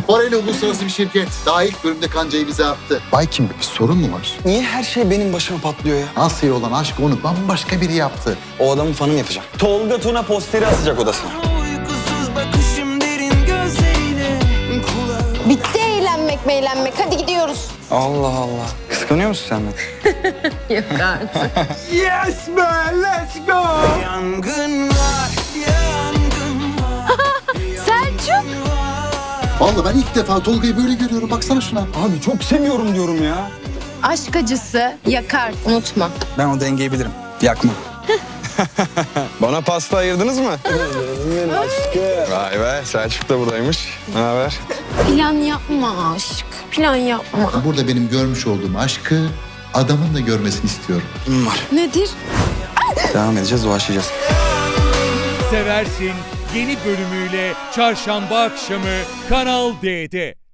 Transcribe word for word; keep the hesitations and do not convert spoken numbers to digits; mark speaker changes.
Speaker 1: Borelli uluslararası bir şirket. Daha ilk bölümde kancayı bize attı. Bay kim? Bir sorun mu var?
Speaker 2: Niye her şey benim başıma patlıyor ya?
Speaker 1: Asya'ya olan aşkı onu bambaşka biri yaptı.
Speaker 2: O adamı fanım yapacağım. Tolga Tuna posteri asacak odasına.
Speaker 3: Uykusuz bakışım derin gözlerine kulağım.
Speaker 4: Bitti eğlenmek meğlenmek. Hadi gidiyoruz.
Speaker 2: Allah Allah. Kıskanıyor musun sen beni?
Speaker 4: Yok artık.
Speaker 2: Yes man, let's go.
Speaker 3: Yangın var, yangın var.
Speaker 4: Selçuk.
Speaker 1: Vallahi ben ilk defa Tolga'yı böyle görüyorum. Baksana şuna.
Speaker 2: Abi çok seviyorum diyorum ya.
Speaker 4: Aşk acısı yakar. Unutma.
Speaker 2: Ben o dengeyi bilirim. Yakma.
Speaker 5: Bana pasta ayırdınız mı? Vay be, Selçuk da buradaymış. Ne haber?
Speaker 4: Plan yapma aşk. Plan yapma.
Speaker 1: Burada benim görmüş olduğum aşkı adamın da görmesini istiyorum.
Speaker 2: Var.
Speaker 4: Nedir?
Speaker 2: Devam edeceğiz, dolaşacağız.
Speaker 6: Seversin yeni bölümüyle çarşamba akşamı Kanal D'de.